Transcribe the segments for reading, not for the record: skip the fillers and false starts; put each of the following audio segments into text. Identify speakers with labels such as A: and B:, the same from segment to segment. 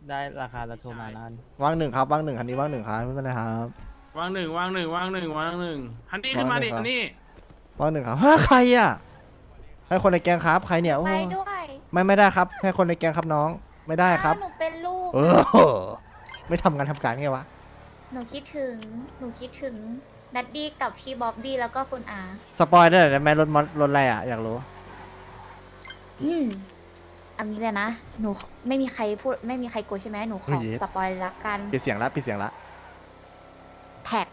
A: ได้ราคาแล้วโทรมานั้น
B: ว่างหนึ่งครับว่างหนึ่งคันนี้ว่างหนึ่งครับไม่เป็นไรครับ
C: วางหนึ่งฮันนี่ขึ้นมาดิฮันนี่
B: ว่างหนึ่งครับฮะใครอ่ะให้คนในแกงครับใครเนี่ยโอ้
D: ไปด้วย
B: ไม่ได้ครับให้คนในแกงครับน้องไม่ได้ครับ
D: หนูเป็นลูก
B: เออไม่ทำงานทำการไงวะ
D: หนูคิดถึงดัดดี้กับพี่บ๊อบบี้แล้วก็คุณอา
B: สปอยได้ไหมรถมอสรถอะไรอ่ะอยากรู้
D: อันนี้เลยนะ หนูไม่มีใครพูดไม่มีใครกลัวใช่ไหมหนูขอสปอยละกัน
B: ปิดเสียงละปิดเสียงละ
D: แท็ก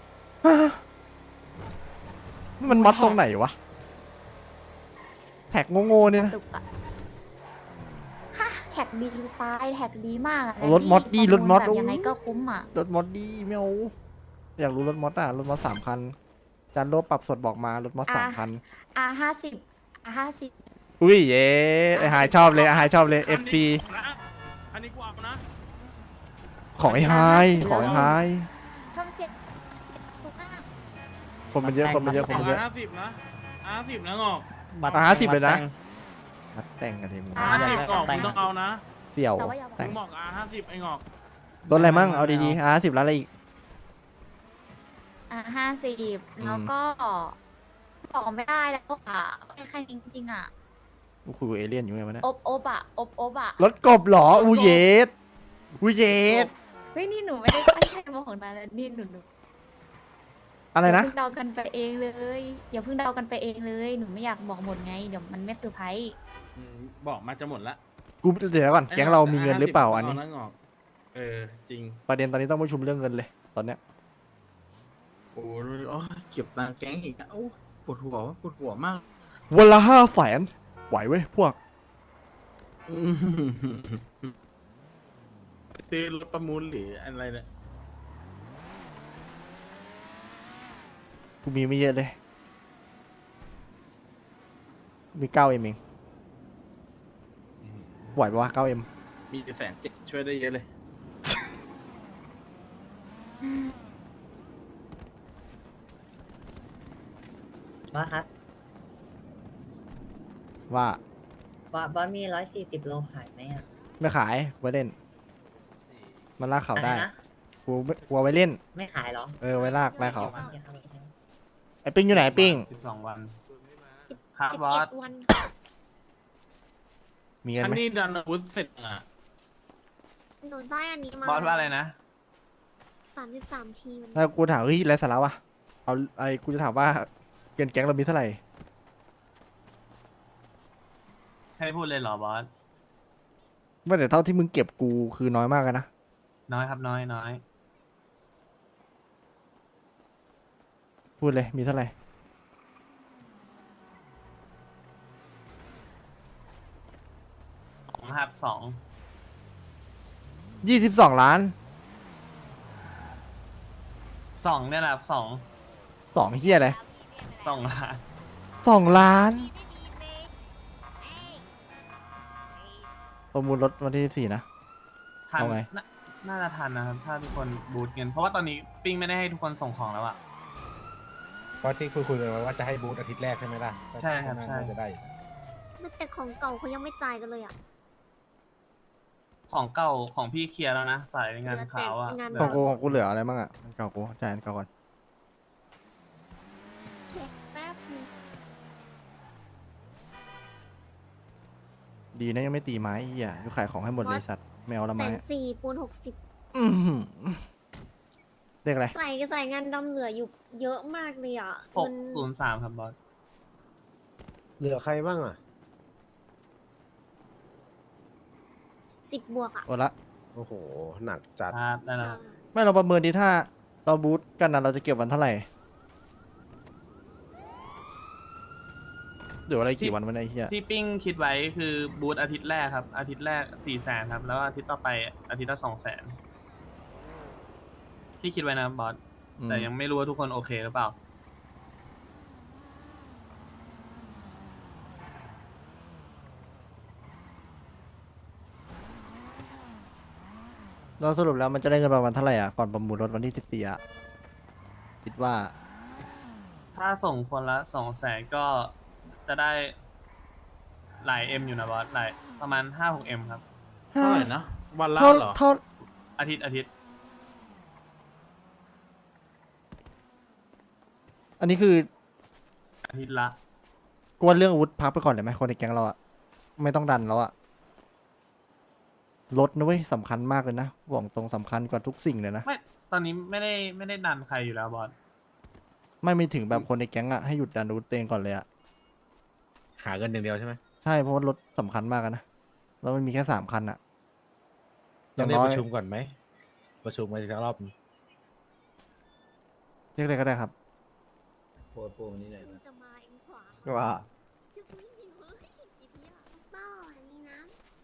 B: มันมอสตรงไหนวะแท็กโง่ๆเนี่ยนะ
D: ตุกอะฮะแท็กดีตายแท็กดีมากอะ
B: รถมอสดีรถมอส
D: แบบยังไงก็คุ้มอ่ะ
B: รถมอสดีไม่เอาอยากรู้รถมอสอ่ะรถมอส3 คันจานโลปรับสดบอกมารถมอส3 คัน
D: R50
B: อุ้ยเย้ไอหายชอบเลยไอหายชอบเลย FP
C: คันนี้กูเอานะ
B: ของไอหายของไอหาย
D: ทำเสียงถูกมาก
B: คนมันเยอะคนมันเยอะคน
C: ของ
B: มันเยอะ
C: 50นะ50นะงอก
A: บัตร
B: 50เลยนะ นัดแต่งกันทีมึง
C: 50กล่องมึงต้องเอานะ
B: เสี่ยว
D: แต่ว่าอย่าบอก
B: แต่
C: มึ
B: ง
C: งบอก50ไอ้งอก
B: รถอะไรมั่งเอาดีๆ50แล้วอะไรอีก
D: 50แล้วก็บอกไม่ได้แล้วอ่ะแค่จริงๆอ่ะ
B: กูคุยกับเอเลี่ยนอยู่ไงวะเนี่ย
D: อบอ่ะอบอ่ะ
B: รถกบเหรออูเยสอูเยส
D: เฮ้ยนี่หนูไม่ได้ตั้งใจมาของนายนะนี่หนู
B: อะไรนะ
D: อย่าเพิ่งเดากันไปเองเลยอย่าเพิ่งเดากันไปเองเลยหนูไม่อยากบอกหมดไงเดี๋ยวมันไม่เซอร์ไพรส์
C: บอกมาจะหมดละ
B: กูเดี๋ยวก่อนแก๊งเรามีเงินหรือเปล่าอันนี้
C: 50งอกจริง
B: ประเด็นตอนนี้ต้องประชุมเรื่องเงินเลยตอนเนี้ย
C: โอ้ยเก็บตังค์แก๊งอีกนะโอ้ปวดหัวมาก
B: วันละ500,000ไหวเว้ยพวก
C: ซื้อรถประมูลหรืออะไรเนี่ย
B: กูมีไม่เยอะเลยมี9Mเองไหวปะวะ9M
C: มีแต่170,000ช่วยได้เยอะเลย
E: ว่าครับ
B: ว่า
E: ว่ามี140 โลขายไหมอ่ะ
B: ไม่ขายไว้เล่น มันลากเขาได้
E: อะไรนะ
B: กูเอาไว้เล่น
E: ไม่ขายเหรอ
B: ไว้ลากเขา
E: โอเคครับโอเคครับ
B: ไอ้ปิ้งอยู่ไหนปิ้ง
C: 12 วันครับบอส
D: 11 วัน
B: มีเงิน
C: อัน
B: ไหม
C: นี้ดันอาวุธเสร็จอ่ะ
F: หนูได้อันนี้มา
C: บอสว่าอะไรนะ
F: 33 ทีมัน
B: ถ้ากูถามเฮ้ยไรสาระวะเอากูจะถามว่าเงินแก๊งเรามีเท่าไหร่
C: ให้พูดเลยเหรอบอส
B: ว่าแต่เท่าที่มึงเก็บกูคือน้อยมากเลยนะ
C: น้อยครับน้อย
B: พูดเลยมีเท่าไหร่
C: ครับ
B: 22 ล้าน
C: 2เนี่ยแหละ2
B: 2เฮียอะไร
C: 2 ล้าน
B: 2 ล้านประมูลรถวันที่14นะ
C: ทัน
B: เอาไง
C: น่าจะทันนะครับ ถ้าทุกคนบูทเงิน เพราะว่าตอนนี้ปิ้งไม่ได้ให้ทุกคนส่งของแล้วอะ
G: เพราะที่คุยกันไว้ว่าจะให้บูธอาทิตย์แรกใช่ไหมล่ะ
C: ใช่ครับใช่
G: น่าจะได้อยู่
F: แต่ของเก่าเขายังไม่จ่ายกันเลยอ่ะ
C: ของเก่าของพี่เคลียร์แล้วนะ สายงานขาวอะ
F: งาน
B: ของกูเหลืออะไรบ้างอ่ะอันเก่ากูจ่ายอันเก่าก่อน
F: แป๊บนึง
B: ดีนะยังไม่ตีไม้ไอ้เฮียกูขายของให้หมดเลยสัตว์แมวละไม้
F: 140,000ปูน60
B: อื้อหือเรียกอะไร
F: ใส่งานดำเหลืออยู่เยอะมากเลยอ่ะเงิน
C: 603ครับบอส
G: เหลือใครบ้างอ่ะ
F: 10 บวกอ่ะ
B: โอละ
G: โอ้โห หนักจัด
C: ครับได้แล้ว
B: ไม่เราประเมินดีถ้าเราบูทกันนะเราจะเก็บวันเท่าไหร่เดี๋ยวอะไรกี่วันวันไอ้เฮีย
C: ที่ปิ้งคิดไว้คือบูธอาทิตย์แรกครับ อาทิตย์แรก400,000ครับ แล้วอาทิตย์ต่อไปอาทิตย์ละ200,000ที่คิดไว้นะบอส แต่ยังไม่รู้ว่าทุกคนโอเคหรือเปล่า
B: เราสรุปแล้วมันจะได้เงินประมาณเท่าไหร่อ่ะก่อนประมูลรถวันที่14อ่ะคิดว่า
C: ถ้าส่งคนละ200,000ก็จะได้หลายเอ็มอยู่นะบอสหลายประมาณ5-6 เอ็มครับ
B: เท่าไหร่นะ
A: วันละ
B: เท่า
A: เหรอ
B: เท่า
C: อาทิตย์
B: อันนี้คือ
C: อาทิตย์ละ
B: กวนเรื่องอาวุธพักไปก่อนเลยไหมคนในแก๊งเราอะไม่ต้องดันแล้วอะรถนะเว้ยสำคัญมากเลยนะบอกตรงสำคัญกว่าทุกสิ่งเลยนะ
C: ไม่ตอนนี้ไม่ได้ดันใครอยู่แล้วบอส
B: ไม่ถึงแบบคนในแก๊งอะให้หยุดดันอาวุธตัวเองก่อนเลยอะ
G: หาเงินอย่างเดียวใช่ไหม
B: ใช่เพราะว่ารถสำคัญมากอะนะแล้วมันมีแค่3 คันอะอ
G: ต้อย่าง
B: ง
G: เรียก
B: น้อ
G: ป
B: ย
G: ระชุมก่อนไหม ประชุมกันอีกสักรอบ
B: เรียกอะไรก็ได้ครับ
F: จะมาเองขวา
H: ว่า
F: จะไม่มีเฮ้ยอีเพียเป้าอันนี้นะ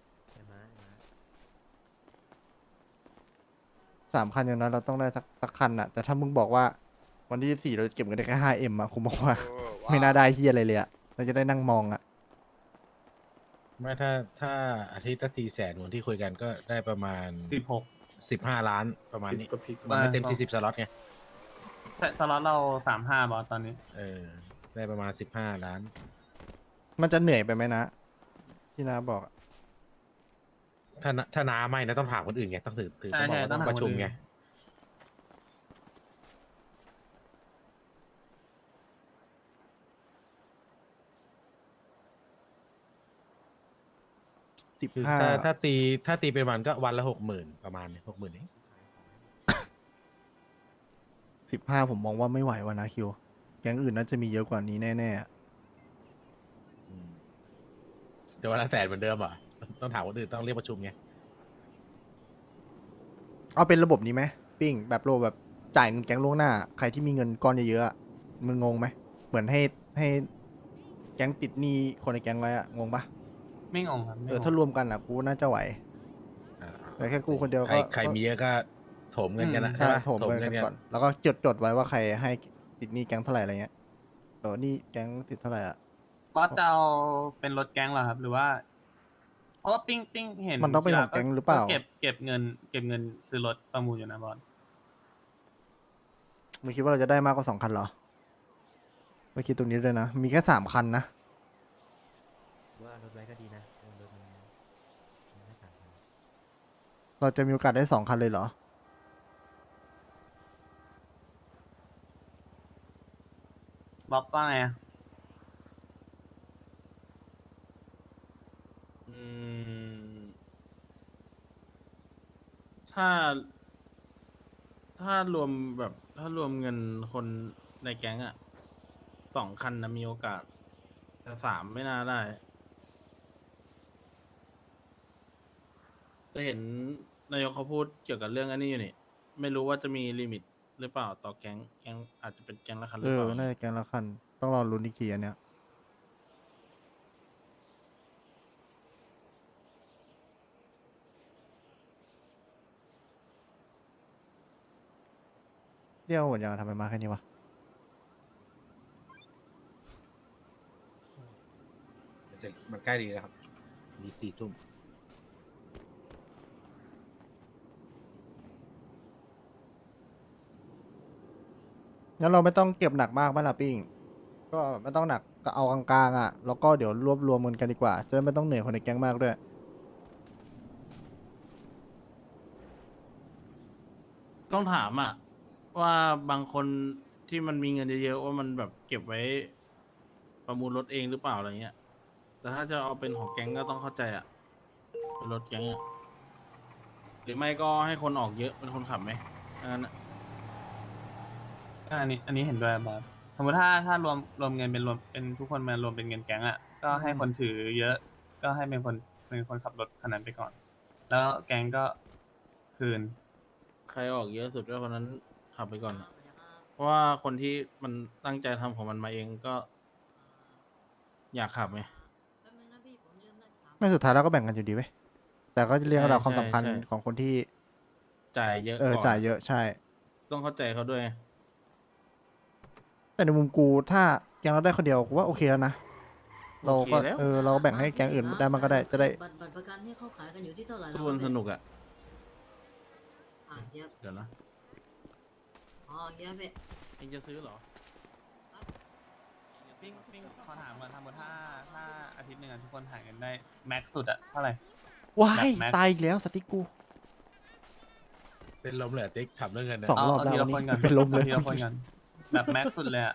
B: 3 คันอย่างนั้นเราต้องได้สักคันอะแต่ถ้ามึงบอกว่าวันที่14เราจะเก็บเงินได้แค่5Mอะคุณบอกว่า ไม่น่าได้เฮียอะไรเลยอะเราจะได้นั่งมองอะ
G: ไม่ถ้าอาทิตย์ละ400,000เหมือนที่คุยกันก็ได้ประมาณ
C: 16
G: 15 ล้านประมาณนี้
A: ก็พลิก
G: มันไม่เต็ม
C: ว่า
G: 40 สล็อตไง
C: ใช่ตลอดเรา35บอสตอนนี้
G: ได้ประมาณ15 ล้าน
B: มันจะเหนื่อยไปไหมนะ ที่นาบอกอะ
G: ถ้าน้าไม่นะต้องถามคนอื่นไงต้องถือ
C: ใช่
G: ต้องบอกว่า
C: ใช่ต้
G: ต้
C: อ
G: อง ง
C: ถาม
G: ประชุม
C: คนอื่น
G: ไง คือ
B: 15
G: ถ้าตีเป็นวันก็วันละ 60,000 ประมาณนี้60,000เอง
B: 15ผมมองว่าไม่ไหววะนะคิวแก๊งอื่นน่าจะมีเยอะกว่านี้แน่ๆอะ
G: จะวันละ100,000เหมือนเดิมเหรอ่ะต้องถามคนอื่นต้องเรียกประชุมไง
B: เอาเป็นระบบนี้ไหมปิ้งแบบโลแบบจ่ายเงินแก๊งล่วงหน้า ใครที่มีเงินก้อนเยอะๆอะมึงงงไหมเหมือนให้แก๊งติดหนี้คนในแก๊งไว้อะงงปะ
C: ไม่งงครับไม่งง
B: ถ้ารวมกันอะกูน่าจะไหว แต่แค่กูคนเดียวก็
G: ใครมีเยอะก็โถมเงินกันนะ
B: ใช่
G: ปะ
B: โถมเงินกันก่อน แล้วก็จดไว้ว่าใครให้ติดหนี้แก๊งเท่าไหร่อะไรเงี้ยนี่แก๊งติดเท่าไหร่อะ
C: บอสจะเอาเป็นรถแก๊งเหรอครับ หรือว่า เพราะว่าปิ้งเห็น
B: มันต้องเป็นของแก๊งหรือเปล่า
C: เก็บเงินซื้อรถประมูลอยู่นะบอส
B: มึงคิดว่าเราจะได้มากกว่า2 คันเหรอไม่คิดตรงนี้ด้วยนะ มีแค่3 คันนะ
H: ว่ารถไว้ก็ดีนะรถมันไม่ต่างกัน
B: เราจะมีโอกาสได้2 คันเลยเหรอ
C: บ๊อบว่าไงอะ
A: ถ้า ถ้ารวมแบบถ้ารวมเงินคนในแก๊งอะ2 คันนะมีโอกาส แต่3ไม่น่าได้จะเห็นนายกเขาพูดเกี่ยวกับเรื่องอันนี้อยู่นี่ ไม่รู้ว่าจะมีลิมิตหรือเปล่าต่อแก๊งอาจจะเป็นแก๊งละคันหรือเปล่า
B: น่าจะแก๊งละคัน ต้องรอลุ้นอีกทีอันเนี้ยเดี๋ยวหมดยังทำไมมาแค่นี้วะ
G: มันใกล้ดีแล้วครับดี4 ทุ่ม
B: งั้นเราไม่ต้องเก็บหนักมากไหมล่ะปิ้ง ก็ไม่ต้องหนักก็เอากลางๆอ่ะ แล้วก็เดี๋ยวรวบรวมกันดีกว่า จะได้ไม่ต้องเหนื่อยคนในแก๊งมากด้วย
A: ต้องถามอะว่าบางคนที่มันมีเงินเยอะๆว่ามันแบบเก็บไว้ประมูลรถเองหรือเปล่าอะไรเงี้ย แต่ถ้าจะเอาเป็นของแก๊งก็ต้องเข้าใจอะเป็นรถแก๊งอะหรือไม่ก็ให้คนออกเยอะเป็นคนขับไหมงั้นอะ
C: อันนี้เห็นด้วยบอสสมมติถ้ารวมเงินเป็นทุกคนมารวมเป็นเงินแก๊งอ่ะก็ให้คนถือเยอะ ก็ให้เป็นคนขับรถคันนั้นไปก่อน แล้วแก๊งก็คืน
A: ใครออกเยอะสุดก็คนนั้นขับไปก่อนอะเพราะว่าคนที่มันตั้งใจทำของมันมาเองก็ อยากขับไง
B: ไม่สุดท้ายเราก็แบ่งกันอยู่ดีเว้ย แต่ก็จะเรียงระดับความ
A: ใช่
B: สำคัญ
A: ใช่
B: ของคนที่
A: จ่ายเยอะ
B: จ่ายเยอะใช่
A: ต้องเข้าใจเขาด้วย
B: แต่ในมุมกูถ้าแก๊งเราได้คนเดียวกูว่าโอเคแล้วนะ เราก็
A: โอเคแล้ว
B: เราแบ่งให้แก๊งอื่นได้มันก็ได้จะได้
I: บัตรประกันที่เขาขายกันอยู่ที่เท่าไหร่
A: ทุกคนสนุกอะ
I: เย็บ
A: เดี๋ยวนะ
I: อ๋อเย็บไป
A: เองจะซื้อเหรอ
C: ปิ้งขอถามก่อนถ้าอาทิตย์หนึ่งอะทุกคนหาเงินได้แม็กซ์สุดอะเท่าไหร่
B: ว้าย
C: แบบแม็ก
B: ตายอีกแล้วสติ๊กกู
G: เป็นลมเลยติ๊กทำเรื่องเงินนะ
B: สอง รอบ
C: เอา
B: แล้ว
C: ทีละ
B: วันนี้
C: คนก่อน
B: เป็นลมเลย
C: อาทีละคนก่อนแบบแม็กสุดเลยอะ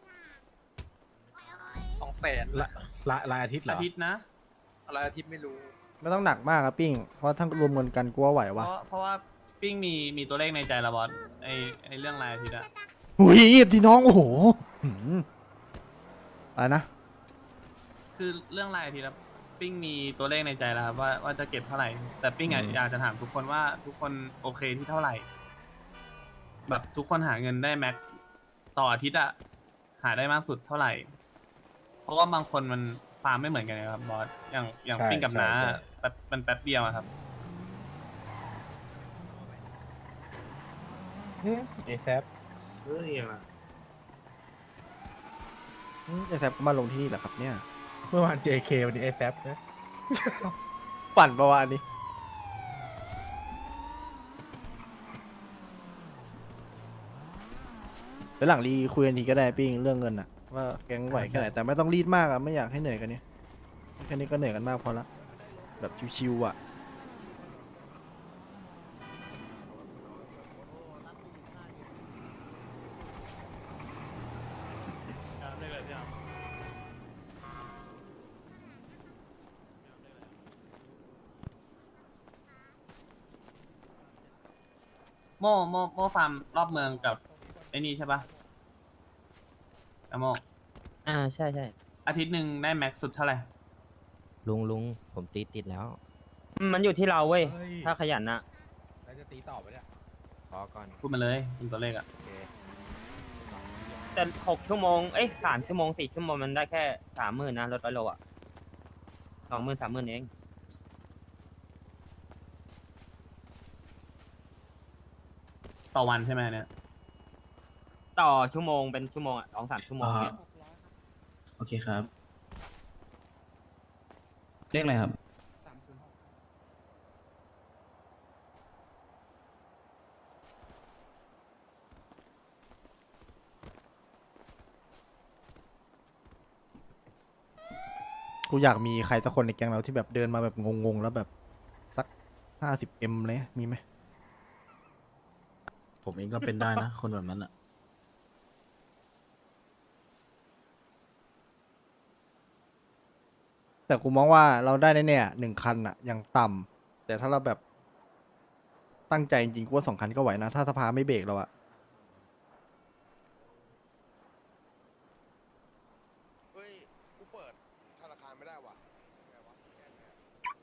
G: รายอาทิตย์เหรอ
C: อาทิตย์นะ
B: ไม่ต้องหนักมากครับปิ้ง เพราะทั้งรวมเงินกันกูว่าไหว
C: เพ
B: วะ
C: ราะว่าปิ้งมีตัวเลขในใจแล้วบอสไอเรื่องรายอาทิตย์อะ
B: หุยพี่น้อง โอ้โหหืมอะไรนะ
C: คือเรื่องรายอาทิตย์อะปิ้งมีตัวเลขในใจแล้วครับว่าจะเก็บเท่าไหร่ แต่ปิ้งอยากจะถามทุกคนว่าทุกคนโอเคที่เท่าไหร่ แบบทุกคนหาเงินได้แม็กต่ออาทิตย์อะหาได้มากสุดเท่าไหร่ เพราะว่าบางคนมันฟาร์มไม่เหมือนกันนะครับบอสอย่าง
G: ใช่
C: ปิ้งกับน้า
G: ใช่
C: มันแป๊บเดียวอะครับ
G: เอแซป
B: ไอแซบก็มาลงที่นี่แหละครับเนี่ย
G: เมื่อวาน JK วันนี้เอแซปนะ
B: ปั่นประวานนี้เดี๋ยวหลังรีคุยกันทีก็ได้ปิ้งเรื่องเงินอะว่าแก๊งไหวแค่ไหน แต่ไม่ต้องรีดมากอะไม่อยากให้เหนื่อยกันเนี่ยแค่นี้ก็เหนื่อยกันมากพอละแบบชิวๆอะ
C: โมฟาร์มรอบเมืองกับไอ้นี่ใช่ปะอะโม
H: ใช่ใช่
C: อาทิตย์หนึ่งได้แม็กสุดเท่าไหร่
H: ลุงผมติดแล้ว มันอยู่ที่เราเว้ย
G: เฮ้ย
H: ถ้าขยันนะ
G: แล้วจะตีต่อไปเนี่ย
H: พอก่อน
C: พูดมาเลยเป็นตัวเลขอะ
H: โอเคแต่6 ชั่วโมง 3 ชั่วโมง 4 ชั่วโมงมันได้แค่ 30,000นะรถ100 โลอ่ะ 20,000 30,000เอง
C: ต่อวันใช่ไหมเนี่ย
H: ต่อชั่วโมงเป็นชั่วโมงอ่ะ2-3 ชั่วโมงเนี่ย
C: โอเคครับ เลขอะไรครับ
B: กูอยากมีใครสักคนในแก๊งเราที่แบบเดินมาแบบงงๆแล้วแบบสัก50M เลยมีไหม
A: ผมเองก็เป็นได้นะ คนแบบนั้นอ่ะ
B: แต่กูมองว่าเราได้แน่ๆ1 คันอะอย่างต่ำแต่ถ้าเราแบบตั้งใจจริงๆกูว่า2 คันก็ไหวนะ ถ้าสภาไม่เบรกเราอะ
J: เฮ้ย กูเปิดธนาคารไม่ได้ว่ะไงวะแก้ไงอะ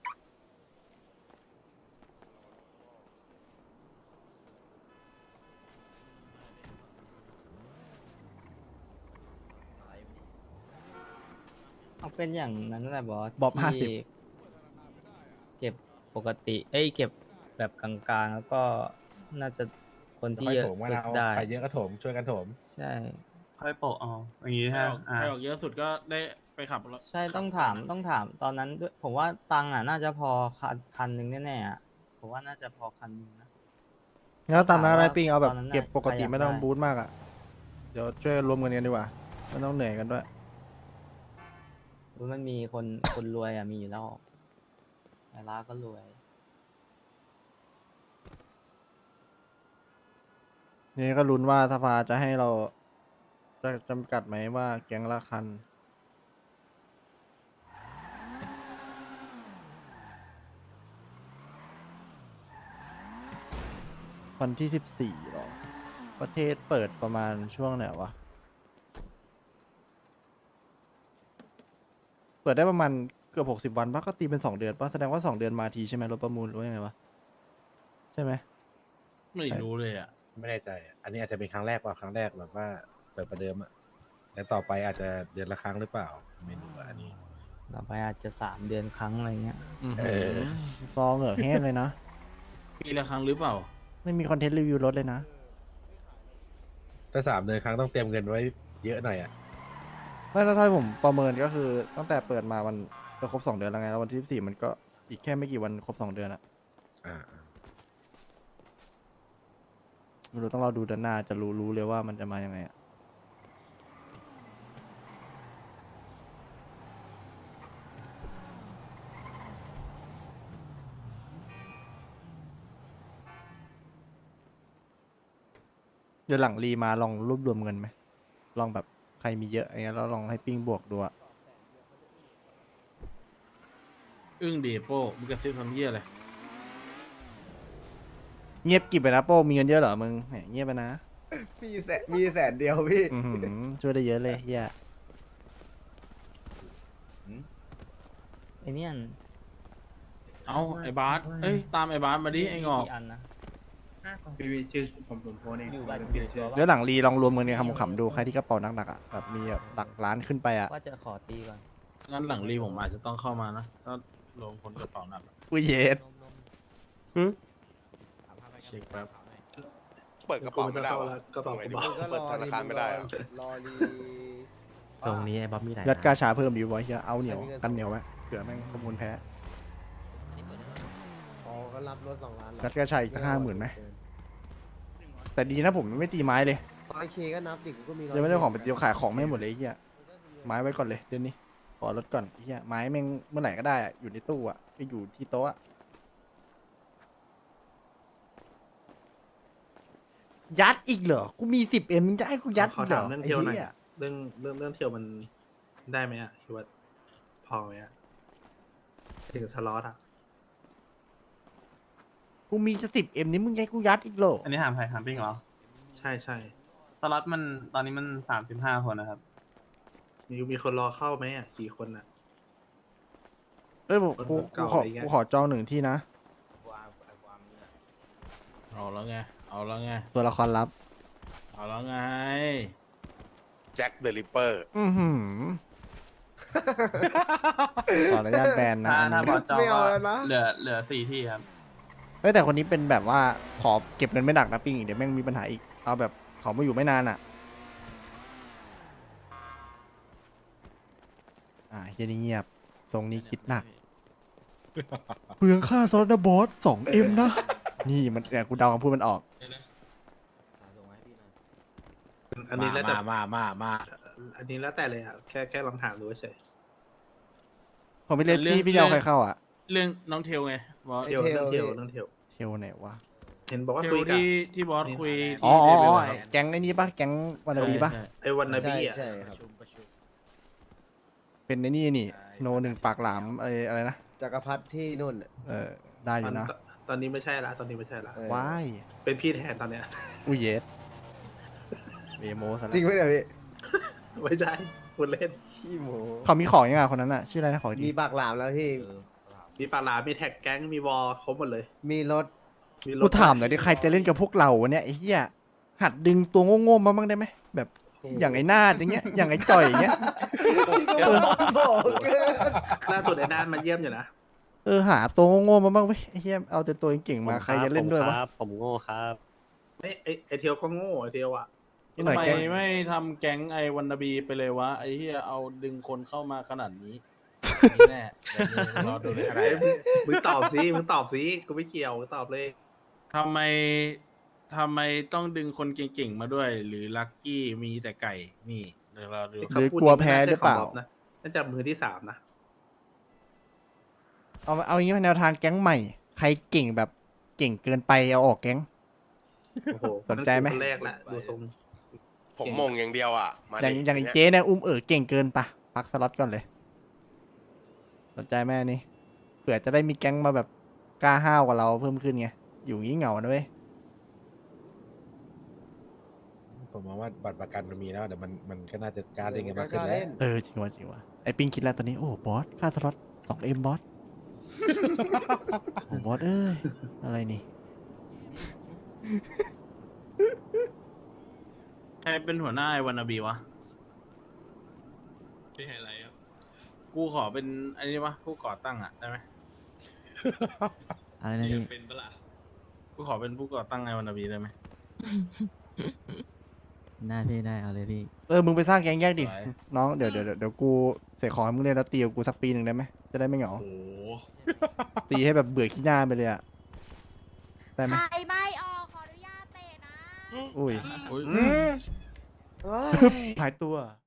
H: เอาเป็นอย่างนั้นแหละบอส
B: บอบ
H: ที่เก็บปกติ เก็บแบบกลางๆ แล้วก็น่าจะคนที่
G: ค่อย
H: เยอะ
G: โถมกัน
H: สุด
G: เอา
H: ได้
G: ใครเยอะก็โถมช่วยกันโถม
H: ใช่
C: ค่อยโปะเอาอย่างงี้
A: ใคร
C: ฮะ
A: ออกใครออกเยอะสุดก็ได้ไปขับรถ
H: ใช่
A: ขับ
H: ต้อง
A: ก่
H: ถาม
A: นนะ
H: ต้องถามตอนนั้นด้วยผมว่าตังค์อ่ะน่าจะพอคันหนึ่งแน่ๆอ่ะผมว่าน่าจะพอคันหนึงนะ
B: งั้นตามนั้น
H: ถาม
B: อะไร
H: ว่า
B: ปิ้งเอาแบบ
H: ตอนนั้นน่ะ
B: เก็บปกติ
H: ใครอยาก
B: ไม่ต้อง
H: ได้
B: บูทมากอะเดี๋ยวช่วยรวมเงินกันดีกว่าไม่ต้องเหนื่อยกันด้วย
H: มันมีคนรวยอ่ะมีอยู่แล้วแต่ร้านก็รวย
B: นี่ก็ลุ้นว่าสภาจะให้เราจะจำกัดไหมว่าแก๊งละคัน วันที่14หรอ ประเทศเปิดประมาณช่วงไหนวะ เปิดได้ประมาณเกือบ60 วันปะก็ตีเป็น2 เดือนปะแสดงว่า2 เดือนมาทีใช่ไหมรถประมูลหรือว่ายังไงวะ ใช่ไหม
A: ไม่รู้เลยอ่ะ
G: ไม่แน่ใจอะอันนี้อาจจะเป็นครั้งแรกว่าครั้งแรกแบบว่าเปิดประเดิมอะแล้วต่อไปอาจจะเดือนละครั้งหรือเปล่า ไม่รู้อะอันนี้
H: ต่อไปอาจจะ3 เดือนครั้งอะไรเงี้ย
G: เออ
B: ซองเหงือกแห้งเลยนะ
A: ปีละครั้งหรือเปล่า
B: ไม่มีคอนเทนต์รีวิวรถเลยนะ
G: ถ้า3 เดือนครั้งต้องเตรียมเงินไว้เยอะหน่อยอะ
B: ไม่ถ้าผมประเมินก็คือตั้งแต่เปิดมามันจะครบ2 เดือนแล้วไงแล้ววันที่14มันก็อีกแค่ไม่กี่วันครบ2 เดือนอะ
G: อ่า
B: ไม่รู้ต้องเราดูด้านหน้าจะรู้เลยว่ามันจะมายังไงอะเดี๋ยวหลังรีมาลองรวบรวมเงินไหมลองแบบใครมีเยอะอย่างเงี้ยแล้วลองให้ปิ้งบวกดูอะ
A: อึ้งดีโป้มึงกระซิบทำเหี้ยอะไร
B: เงียบกริบไปนะโป้มีเงินเยอะเหรอมึงแหมเงียบไปนะ
K: มีแสนเดียวพี่
B: อื้อหือช่วยได้เยอะเลยเฮีย
H: ไอเนี่ย
A: เอาไอ้บาสเอ้ยตามไอ้บาสมาดิไอ้งอก
H: อันนะ
K: พี่ชื่อผมโพสเอง
H: อยู่บ้าน
K: เปลี่ยนชื่อ
B: เดี๋ยวหลังรีลองรวมเงินกันขำๆดูใครที่กระเป๋าหนักๆอะแบบมีแบบหลักล้านขึ้นไปอะ
H: ว่าจะขอตีก่อน
A: งั้นหลังรีผมอาจจะต้องเข้ามานะถ้าลงคนกระเป๋าหนักอะ
B: อุ้ยเย็ด
A: เช็คแป๊บ
J: เปิดกระเป๋าไม่ได้วะ
K: กระเป๋า
J: ทำไงดีวะเปิดธนาคารไม่ได้อะ
K: รอรี
H: ทรงนี้ไอ้บ๊อบมีหลาย
B: ยัดกาชาเพิ่มดีวะเฮียเอาเหนียวกันเหนียวไว้เผื่อแม่งประมูลแพ้
K: อ๋อก็รับรถ2 ล้าน
B: ยัดกาชาอีก50,000ไหมแต่ดีนะผมไม่ตีไม้เลย
K: 100K ก็นับดิกูก็มี
B: เดี๋ยวไม่ได้ของไปเดียวขายของไม่หมดเลยไอ้เฮียไม้ไว้ก่อนเลยเดี๋ยวนี้ขอลดก่อนไอ้เฮียไม้แม่งเมื่อไหร่ก็ได้อะอยู่ในตู้อะไปอยู่ที่โต๊ะอะยัดอีกเหรอกูมี10Mมึงจะให้กูยัดอีกเหรอไอ้เหี้ย
K: เรื่องเที่ยวมันได้ไหมอ่ะคิดว่าพอไหมอ่ะถึงสล็อตอ่ะ
B: กูมีจะ10Mนี่มึงจะให้กูยัดอีกเหรอ
C: อันนี้ถามใครถามปิ้งเหรอ
K: ใช่ใช่
C: สล็อตมันตอนนี้มัน35 คนนะครับ
K: มีคนรอเข้าไหมอ่ะกี่คนอ่ะ
B: เอ้ยผม
K: คน
B: กู
K: เก่า
B: ขอ
K: อะไรเงี้ย
B: กูขอจอง1 ที่นะ
A: เอาแล้วไงเอาแล้วไง
B: ตัวละครลับ
A: เอาแล้วไง
J: แจ็คเดอะริปเปอร์
B: อือหือขออนุญาตแบนนะ
C: ถ้า
B: อัน
C: ถ้า
B: นี้
C: บอสจองก็เหลือ4 ที่ครับ
B: เฮ้ยแต่คนนี้เป็นแบบว่าขอเก็บเงินไม่หนักนะปิ้งเดี๋ยวแม่งมีปัญหาอีกเอาแบบเขามาอยู่ไม่นานอ่ะเฮียนี่เงียบทรงนี้คิดหนักเปลืองค่าสล็อตนะบอส 2M นะ นี่มันเนี่ยกูเดาคำพูดมันออก
K: อันนี้แล้วแต่
G: มา
K: อันนี้แล้วแต่เลยอ่ะแค่ลองถามดูเฉย
B: ผมไม่เล่น
A: เรื่อง
B: พี่จะเอาใครเข้าอ่ะ
A: เรื่องน้องเทลไงบอส
K: เที่ยวเรื่องเที่ยวเรื่องเที่ยว
B: เทลไหนวะ
K: เห็นบอกว่า
A: เทล
K: คุยกับ
A: ที่บอสคุย
B: อ๋อ
A: ที่
B: อ๋อ
A: เลเวล
B: อ๋อ
A: อะ
B: แก๊งไอ้นี้ปะแก๊งวันนาบีปะ
A: ใช่
K: ไอ้วันนาบีอ่ะ
B: เป็นไอ้นี่โนหนึ่งปากหลามอะไรนะ
K: จักรพรรดิที่นู่น
B: ได้อยู่นะ
K: ตอนนี้ไม่ใช่ละตอนนี้ไม่ใช่ละ
B: ว้าย
K: เป็นพี่แทนตอนเนี้ย
B: อุ้ยเยสเบโมซะ
K: จริง
B: แล้ว
K: ไหมเนี่ยพี่ไม่ใช่คุณเล่นขี้โม
B: เขามีของยังไงคนนั้นอ่ะ ชื่ออะไรนะขอดี
K: มีปากหลามแล้วพี่มีปากหลามมีแท็กแก๊งมีวอลครบหมดเลย มีรถ
B: กูถามหน่อยดิใครจะเล่นกับพวกเราเนี่ยไอ้เหี้ยหัดดึงตัวโง่ๆมาบ้างได้ไหมแบบอย่างไอ้นาดอย่างเงี้ยอย่างไอ้จ่อยอย่างเงี้ย
K: ล่าสุดไอ้นานมาเยี่ยมอยู่นะ
B: หาตัวโง่ๆมาบ้างเว้ยไอ้เหี้ยเอาแต่ตัวเก่งๆมาใครจะเล่นด้วยวะ
G: ผมโง่ครับ
K: ไอเทียวก็โง่ไอเทียวอ่ะ
B: นี่หน่อย
A: ทำไม
B: แก๊ง
A: ไม่ทำแก๊งไอวันนาบีไปเลยวะไอเฮียเอาดึงคนเข้ามาขนาดนี้นี่แน่เดี๋ยวรอดูเลย
K: อะไรมึงตอบสิมึงตอบสิกูไม่เกี่ยวมึงตอบเลย
A: ทำไมต้องดึงคนเก่งๆมาด้วย หรือลักกี้มีแต่ไก่นี่เดี๋ยวเราดู
B: หรือกลัวแพ้หรือเปล่า
K: น่าจะมือที่3นะ
B: เอาอย่างงี้เป็นแนวทางแก๊งใหม่ ใครเก่งแบบเก่งเกินไปเอาออกแก๊ง
K: โอ้โห
B: สนใจไหม
K: คนแรกแหละดูทรง
J: ผมมงอย่างเดียวอ่ะ มา
B: อย่าง
J: ดิ
B: อย่างไอ้เจ๊เนี่ยเก่งเกินปะพักสล็อตก่อนเลย สนใจแม่นี่เผื่อจะได้มีแก๊งมาแบบกล้าห้าวกว่าเราเพิ่มขึ้นไงอยู่งี้เหงานะเว้ย
G: ผมมองว่าบัตรประกันมันมีแล้วเดี๋ยวมันก็น่าจะกล้าเล่นกันมากขึ้นแล้ว
B: จริงว่ะไอ้ปิงคิดแล้วตอนนี้โอ้บอสค่าสล็อต 2M บอส โอ้บอสอะไรนี่
A: ใครเป็นหัวหน้าไอวันนาบีวะ
C: พี่ไฮไลท์ครับ
A: กูขอเป็นไอ้นี่วะผู้ก่อตั้งอ่ะได้ไหม
H: อะไรนะพี่
C: เป็นปะล่ะ
A: กูขอเป็นผู้ก่อตั้งไอวันนาบีได้ไหม
H: ได้พี่ได้เอาเลยพี่
B: มึงไปสร้างแก๊งแยกดิ
A: ไหว
B: น้องเดี๋ยวกูเสกของให้มึงเล่นแล้วตีกับกูสักปีหนึ่งได้ไหมจะได้ไม่เหงา
C: โอ้
B: ตีให้แบบเบื่อขี้หน้าไปเลยอะได้ไหม
D: ใครไม่ออกขออนุญาตเตะนะ
B: อุ้ย
A: อุ๊ย
B: หายตัว